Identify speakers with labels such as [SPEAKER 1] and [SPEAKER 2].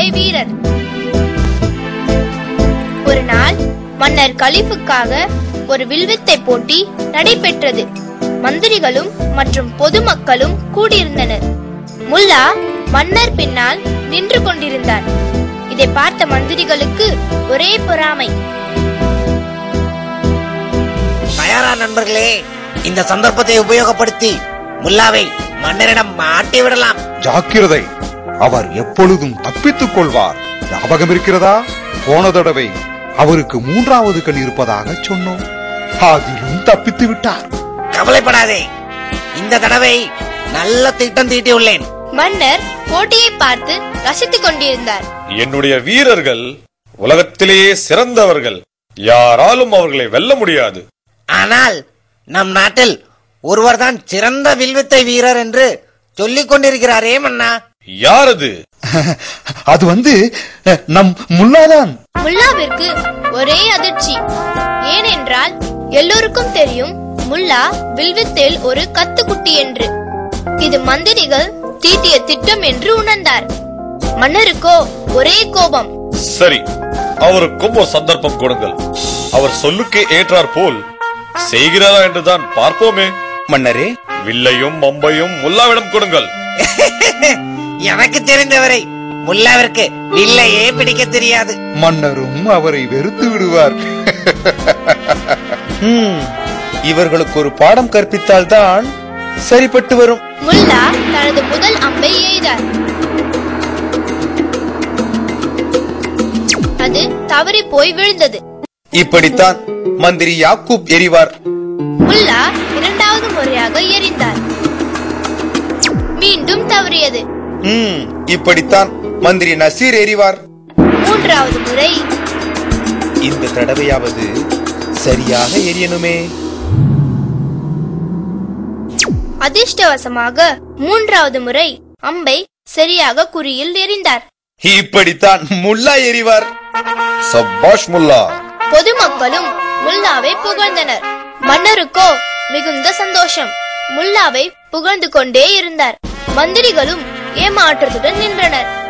[SPEAKER 1] வில்வித்தை வீரர். ஒரு நாள் மன்னர் கலிஃபுக்காக ஒரு வில்வித்தை போட்டி நடைபெற்றது. மந்திரிகளும் மற்றும் பொதுமக்களும் கூடியிருந்தனர். முல்லா மன்னர் பின்னால் நின்று கொண்டிருந்தார். இதை பார்த்த மந்திரிகளுக்கு ஒரே பொறாமை.
[SPEAKER 2] தயாரா நண்பர்களே, இந்த சந்தர்ப்பத்தை உபயோகப்படுத்தி முல்லாவை மன்னரிடம் மாட்டி விடலாம்.
[SPEAKER 3] ஜாக்கிரதை, அவர் எப்பொழுதும் தப்பித்துக் கொள்வார். ஞாபகம் இருக்கிறதா? போன தடவை அவருக்கு 3வது கண் இருப்பதாக சொன்னோம். அதிலும் தப்பித்து விட்டார்.
[SPEAKER 2] கவலைப்படாதே, இந்த தடவை நல்ல திட்டம் தீட்டியுள்ளேன்.
[SPEAKER 1] மன்னர் போட்டியை பார்த்து ரசித்துக் கொண்டிருந்தார்.
[SPEAKER 4] என்னுடைய வீரர்கள் உலகத்திலேயே சிறந்தவர்கள். யாராலும் அவர்களை வெல்ல முடியாது.
[SPEAKER 2] ஆனால் நம் நாட்டில் ஒருவர்தான் சிறந்த வில்வித்தை வீரர் என்று சொல்லிக் கொண்டிருக்கிறாரே மன்னா.
[SPEAKER 4] யார் அது?
[SPEAKER 3] அது நம் முல்லாதான்.
[SPEAKER 1] முல்லாவிற்கு ஒரே அதிர்ச்சி. ஏனென்றால் எல்லோருக்கும் தெரியும் முல்லா வில்வித்தையில் ஒரு கத்துக்குட்டி என்று. இது மந்திரிகள் தீட்டிய திட்டம் என்று உணர்ந்தார். மன்னருக்கோ ஒரே கோபம்.
[SPEAKER 4] சரி, அவருக்கும் ஒரு சந்தர்ப்பம் கொடுங்கள். அவர் சொல்லுக்கு ஏற்றார் போல் செய்கிறாரா என்றுதான் பார்ப்போமே.
[SPEAKER 5] மன்னரே,
[SPEAKER 4] வில்லையும் அம்பையும் முல்லாவிடம் கொடுங்கள்.
[SPEAKER 2] எனக்கு தெரிந்தவரை முல்லாவிற்கு வில்லையே பிடிக்க தெரியாது.
[SPEAKER 3] மன்னரும் அவரை வெறுத்து விடுவார்.
[SPEAKER 5] இவர்களுக்கு ஒரு பாடம் கற்பித்தால் தான் சரிப்பட்டு வரும்.
[SPEAKER 1] முல்லா தனது முதல் அம்பை எய்தார். அது தவறி போய் விழுந்தது.
[SPEAKER 5] இப்படித்தான் மந்திரி யாக்கூப் எறிவார்.
[SPEAKER 1] முல்லா 2வது முறையாக எறிந்தார். மீண்டும் தவறியது.
[SPEAKER 5] இப்படித்தான் மந்திரி நசீர் எறிவார்.
[SPEAKER 1] 3வது முறை.
[SPEAKER 5] இந்த தடவையாவது சரியாக எரியணுமே.
[SPEAKER 1] அதிர்ஷ்டவசமாக 3வது முறை அம்பை சரியாக குறியில் எறிந்தார்.
[SPEAKER 5] இப்படித்தான் முல்லா எறிவார்.
[SPEAKER 4] சப்பாஷ் முல்லா.
[SPEAKER 1] பொதுமக்களும் முல்லாவை புகழ்ந்தனர். மன்னருக்கோ மிகுந்த சந்தோஷம். முல்லாவை புகழ்ந்து கொண்டே இருந்தார். மந்திரிகளும் ஏமாற்றத்துடன் நின்றனர்.